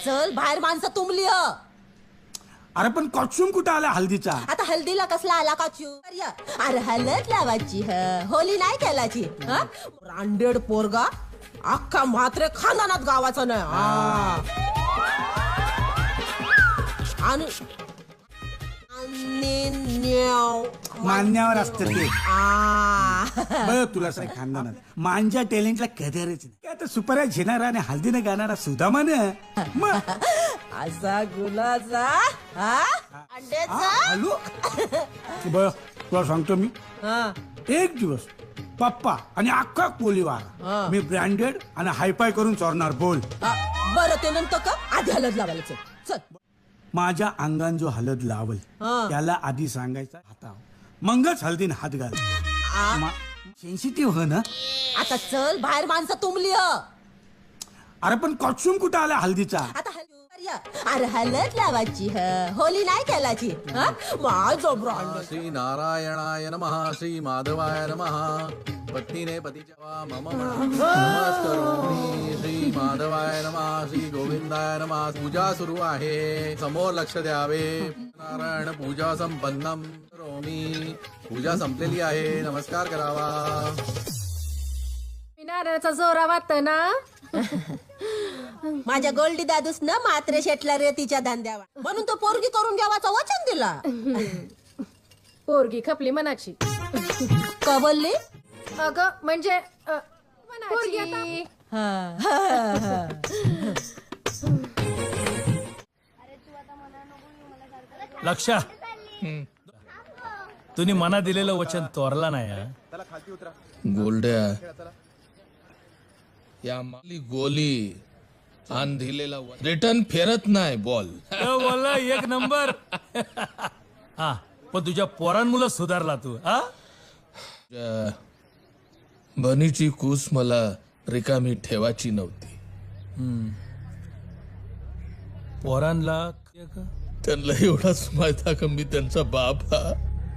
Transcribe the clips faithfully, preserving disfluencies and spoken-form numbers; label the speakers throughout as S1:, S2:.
S1: चल बाहेर माणसं तुंबली ह.
S2: अरे पण कॉस्ट्युम कुठं आला हल्दीचा?
S1: आता हल्दीला कसला आला का चू? अरे हलत लावायची ह, होली नाही केलाची. ब्रांडेड पोरगा अख्खा मात्र खानदानात गावाचं नाही हा. आणि आणि न्याव.
S2: मान्यावर असतं ते.
S1: आ.
S2: बघ तुला सांग खानदानात मांजा टॅलेंटला कदरच नाही. आता सुपऱ्या झेणारा आणि हल्दीने गाणारा सुदामान मग
S1: असा गुलाचा हा अंड्याचा
S2: हॅलो बघ तुला सांगतो मी
S1: हा.
S2: एक दिवस पप्पा आणि अख्खा कोलीवार
S1: हा.
S2: मी ब्रँडेड आणि हायफाय करून चोरणार बोल.
S1: हा, बरं ते नंतर का आधी हलत लावायला चल चल.
S2: माझ्या अंगान जो हलद लावल
S1: हा.
S2: त्याला आधी सांगायचा हाताव मगच हल्दीन हात घाल.
S1: आ.
S2: सेन्सिटिव्ह हो ना.
S1: आता चल बाहेर माणसं तुंबली ह.
S2: अरे पण कॉस्ट्युम कुठं आला हल्दीचा?
S1: आता हल- अरे हलत लावायची ह, होली नाही केलाची. माझं ब्रँड
S3: श्री नारायणाय नमः श्री माधवाय नमः पत्नीने पतीच्या मम नमस्करोमि श्री माधवाय नमः श्री गोविंदाय नमः. पूजा सुरू आहे, समोर लक्ष द्यावे. नारायण पूजा संपन्नम करोमि. पूजा संपलेली आहे, नमस्कार करावा.
S4: नारळाचा जोरा वाटत ना.
S1: माझ्या गोल्डी दादूस ना मात्र शेटला रेतीच्या धंद्यावा म्हणून तो पोरगी करून घ्यावाचं वचन दिला.
S4: पोरगी खपली मनाची.
S1: का बोलली?
S4: अगं म्हणजे अ, पोरगी आता
S5: लक्षा तुम्ही मना दिलेलं वचन तोरला नाही हा?
S6: गोल्ड्या या माली गोली आण दिलेला रिटर्न फेरत नाही बॉल.
S5: तो बोलला एक नंबर. हा पण तुझ्या पोरांमुळे सुधारला तू हा.
S6: बनीची कूस मला रिकामी ठेवायची नव्हती.
S5: पोरांना
S6: त्यांना एवढाच माहित का मी त्यांचा बाप हा,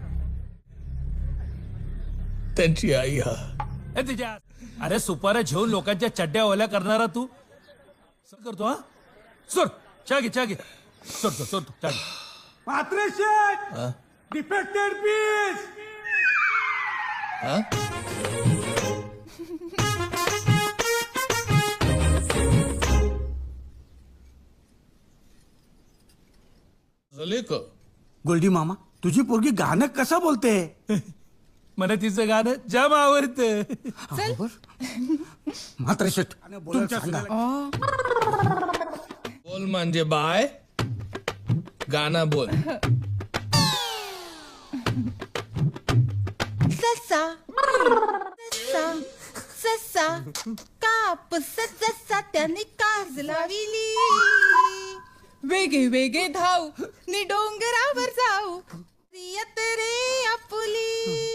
S6: त्यांची आई हा.
S5: ए तिच्या अरे सुपाऱ्या घेऊन लोकांच्या चड्ड्या ओल्या करणारा तू सर करतो हा. सोर चहा घे चहा घे. सोर सोर सोर चहा घे.
S2: मात्र शेट डिफेक्टेड पीस.
S6: हा? झाले का?
S2: गोल्डी मामा तुझी पोरगी गाणं कसं बोलते?
S5: मला तिचं गाणं जाम आवडतं.
S2: मात्र शेट तुमच्या सांगा.
S6: बोल म्हणजे बाय गाना बोल.
S7: ससा ससा ससा कापूस जसा त्याने काज लाविली. वेगे वेगे धाव नि डोंगरावर जाऊ रियत रे आपुली.